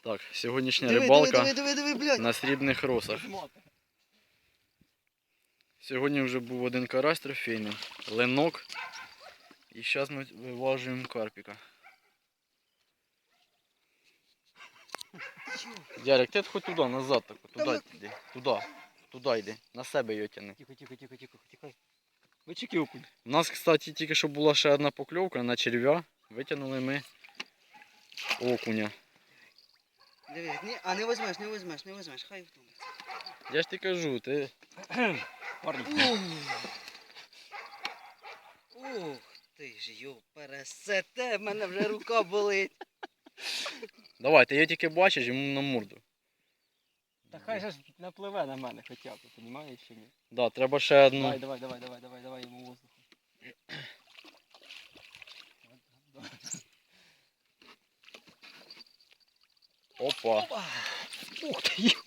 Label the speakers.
Speaker 1: Так, сьогоднішня
Speaker 2: Диви,
Speaker 1: рибалка
Speaker 2: диви, блядь.
Speaker 1: на срібних росах. Сьогодні вже був один карась трофейний, ленок. І зараз ми виважуємо карпіка. Ярик, ти хоч туди, назад, так, туди йди. Туди йди. На себе його тяни.
Speaker 2: Тихо. Вичики окунь.
Speaker 1: У нас, кстати, тільки що була ще одна покльовка на черв'я. Витягнули ми окуня.
Speaker 2: Диви, не візьмеш, хай втомиться.
Speaker 1: Я ж ти кажу, ти...
Speaker 2: Парні. Ух ти ж, йо, пересете, в мене вже рука болить.
Speaker 1: Давай, ти його тільки бачиш, йому на морду.
Speaker 3: Та хай же ж напливе на мене хоча б, розумієш чи ні?
Speaker 1: Да, треба ще одну.
Speaker 3: Давай йому воздуху.
Speaker 1: Опа.
Speaker 3: Ух ти,